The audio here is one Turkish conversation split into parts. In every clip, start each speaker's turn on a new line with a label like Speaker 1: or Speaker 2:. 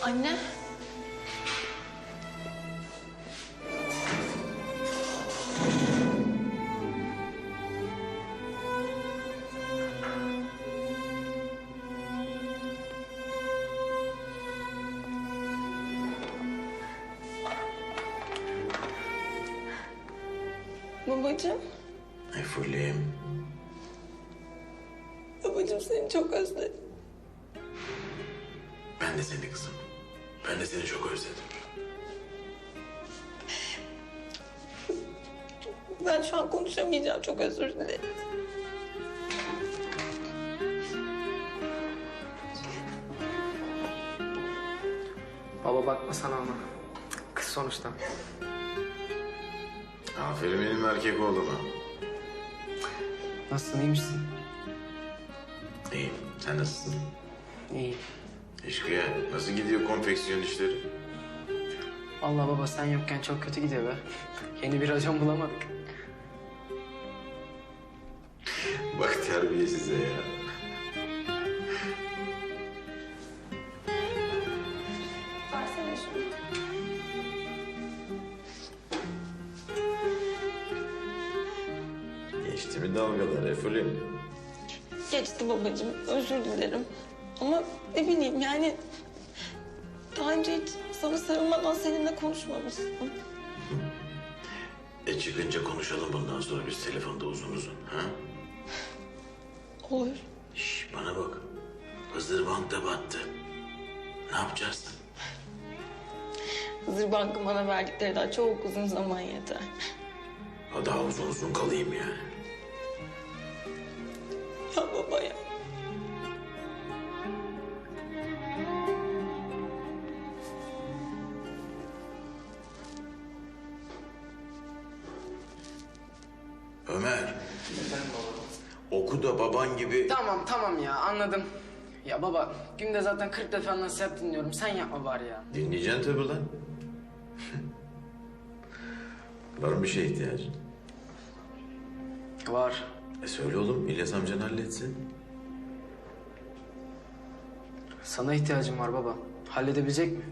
Speaker 1: Anne. Babacığım.
Speaker 2: Efullim.
Speaker 1: Babacığım seni çok özledim.
Speaker 2: Ben de seni kızım. Ben de seni çok özledim.
Speaker 1: Ben şu an konuşamayacağım. Çok özür dilerim.
Speaker 3: Baba bakma sana ona. Kız sonuçta.
Speaker 2: Aferin benim erkek oğluma.
Speaker 3: Nasılsın, iyi misin?
Speaker 2: İyiyim. Sen nasılsın?
Speaker 3: İyi.
Speaker 2: Eşkıya nasıl gidiyor konfeksiyon işleri?
Speaker 3: Allah baba sen yokken çok kötü gidiyor be. Yeni bir racon bulamadık.
Speaker 2: Bak terbiye size ya.
Speaker 1: Versene şunu.
Speaker 2: Geçti mi dalgalar Efullim?
Speaker 1: Geçti babacığım. Özür dilerim. Ama ne bileyim yani... Daha önce hiç sana sarılmadan seninle konuşmamıştım.
Speaker 2: Çıkınca konuşalım bundan sonra biz telefonda uzun uzun. Ha?
Speaker 1: Olur.
Speaker 2: Şş, bana bak. Hızır Bank da battı. Ne yapacaksın?
Speaker 1: Hızır Bank'ın bana verdikleri daha çok uzun zaman yeter.
Speaker 2: Ha, daha uzun uzun kalayım yani.
Speaker 1: Ya baba ya.
Speaker 2: Ömer,
Speaker 3: Efendim baba.
Speaker 2: oku da baban gibi...
Speaker 3: Tamam ya anladım. Ya baba günde zaten 40 defa nasihat dinliyorum. Sen yapma bari ya.
Speaker 2: Dinleyeceksin tabii lan. Var mı bir şeye ihtiyacın?
Speaker 3: Var.
Speaker 2: Söyle oğlum, İlyas amcan halletsin.
Speaker 3: Sana ihtiyacım var baba. Halledebilecek mi?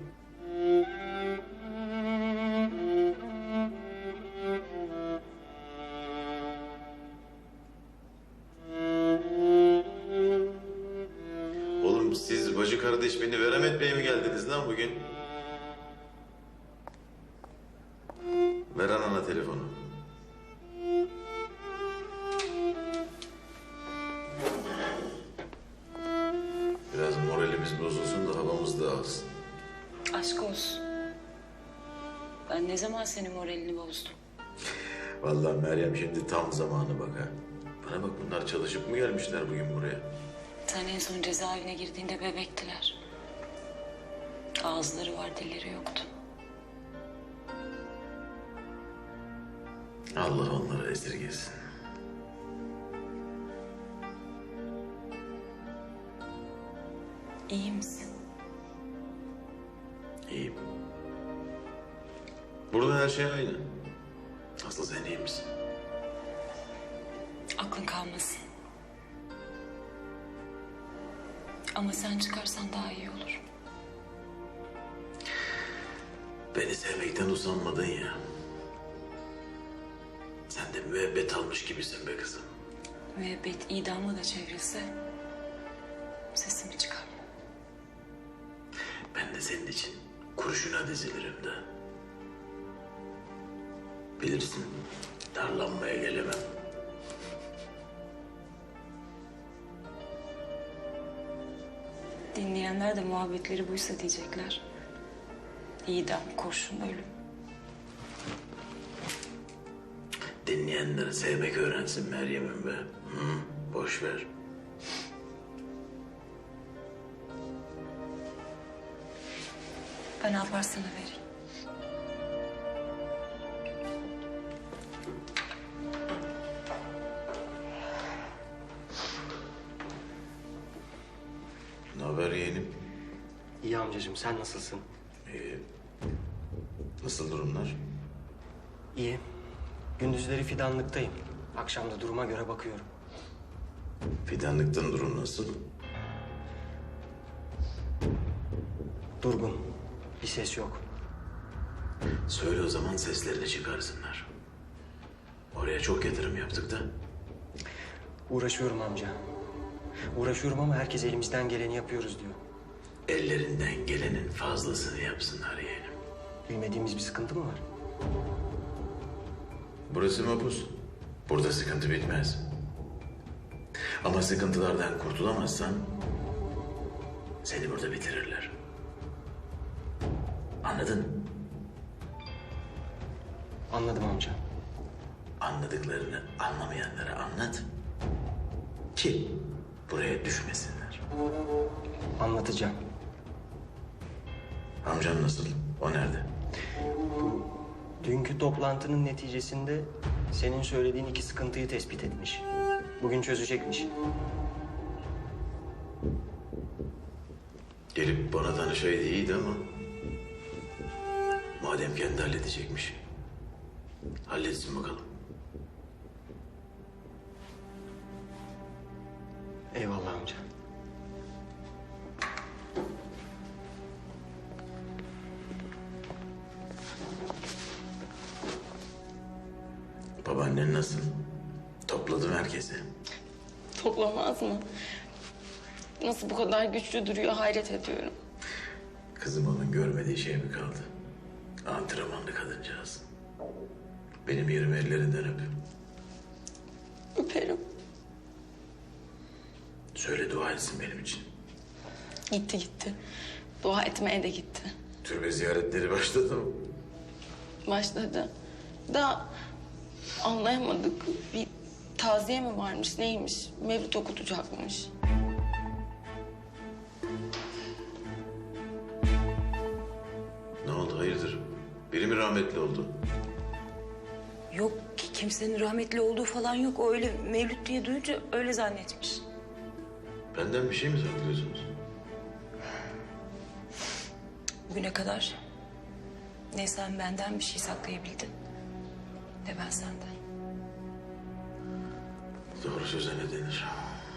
Speaker 2: Oğlum siz bacı kardeş beni verem etmeye mi geldiniz lan bugün? Ver anana telefonu. Biraz moralimiz bozulsun da havamız dağılsın.
Speaker 4: Aşk olsun. Ben ne zaman senin moralini bozdum?
Speaker 2: Vallahi Meryem şimdi tam zamanı bak ha. Bana bak bunlar çalışıp mı gelmişler bugün buraya?
Speaker 4: Sen en son cezaevine girdiğinde bebektiler. Ağızları var, dilleri yoktu.
Speaker 2: Allah onları esirgesin.
Speaker 4: İyi misin?
Speaker 2: İyiyim. Burada her şey aynı. Aslı sen iyi misin?
Speaker 4: Aklın kalmasın. Ama sen çıkarsan daha iyi olur.
Speaker 2: Beni sevmekten usanmadın ya. Sen de müebbet almış gibisin be kızım.
Speaker 4: Müebbet idamla da çevrilse sesimi çıkarma.
Speaker 2: Ben de senin için kurşuna dizilirim de. Bilirsin, darlanmaya gelemem.
Speaker 4: Dinleyenler de muhabbetleri buysa diyecekler. İdam, kurşun, ölüm.
Speaker 2: Dinleyenler sevmek öğrensin Meryem'im be. Hı, boş ver.
Speaker 4: Ben ne yaparsan vereyim.
Speaker 2: Ne haber yeğenim?
Speaker 5: İyi amcacığım, sen nasılsın?
Speaker 2: İyi. Nasıl durumlar?
Speaker 5: İyi. Gündüzleri fidanlıktayım. Akşam da duruma göre bakıyorum.
Speaker 2: Fidanlıktan durum nasıl?
Speaker 5: Durgun. Bir ses yok.
Speaker 2: Söyle o zaman seslerini çıkarsınlar. Oraya çok yatırım yaptık da.
Speaker 5: Uğraşıyorum amca. Uğraşıyorum ama herkes elimizden geleni yapıyoruz diyor.
Speaker 2: Ellerinden gelenin fazlasını yapsınlar yeğenim.
Speaker 5: Bilmediğimiz bir sıkıntı mı var?
Speaker 2: Burası mapus. Burada sıkıntı bitmez. Ama sıkıntılardan kurtulamazsan seni burada bitirirler. Anladın mı?
Speaker 5: Anladım amca.
Speaker 2: Anladıklarını anlamayanlara anlat. Ki buraya düşmesinler.
Speaker 5: Anlatacağım.
Speaker 2: Amcan nasıl? O nerede?
Speaker 5: Dünkü toplantının neticesinde senin söylediğin iki sıkıntıyı tespit etmiş. Bugün çözecekmiş.
Speaker 2: Gelip bana danışaydı iyiydi ama... madem kendi halledecekmiş. Halletsin bakalım.
Speaker 5: Eyvallah amca.
Speaker 2: Babaannen nasıl? Topladım herkesi.
Speaker 1: Toplamaz mı? Nasıl bu kadar güçlü duruyor hayret ediyorum.
Speaker 2: Kızım onun görmediği şey mi kaldı? Antrenmanlı kadıncağız. Benim yerime ellerinden öp.
Speaker 1: Öperim.
Speaker 2: Söyle dua etsin benim için.
Speaker 1: Gitti gitti. Dua etmeye de gitti.
Speaker 2: Türbe ziyaretleri başladı mı?
Speaker 1: Başladı. Daha anlayamadık. Bir taziye mi varmış neymiş? Mevlüt okutacakmış.
Speaker 2: Ne oldu hayırdır? Biri mi rahmetli oldu?
Speaker 4: Yok kimsenin rahmetli olduğu falan yok. O öyle Mevlüt diye duyunca öyle zannetmiş.
Speaker 2: Benden bir şey mi saklıyorsunuz?
Speaker 4: Bugüne kadar ne sen benden bir şey saklayabildin ne ben senden.
Speaker 2: Doğru söze ne denir?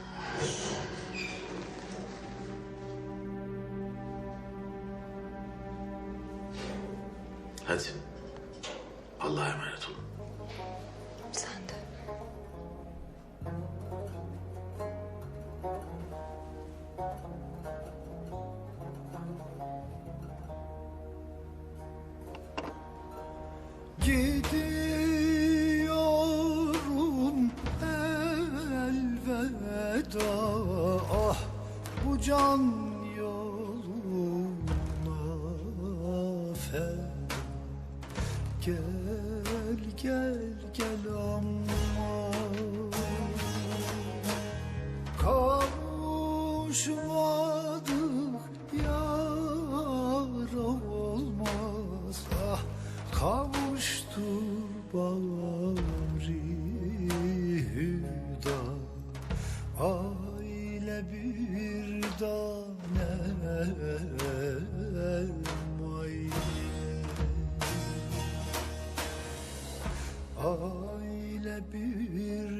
Speaker 2: Hadi. Allah'a emanet olun.
Speaker 4: Sen de.
Speaker 6: Gidiyorum elveda, ah bu can yoluna feda. Gel gel gel ama kavuşmadık yar olmaz, ah kavuştur bari hüda, aile bir tanem aile bir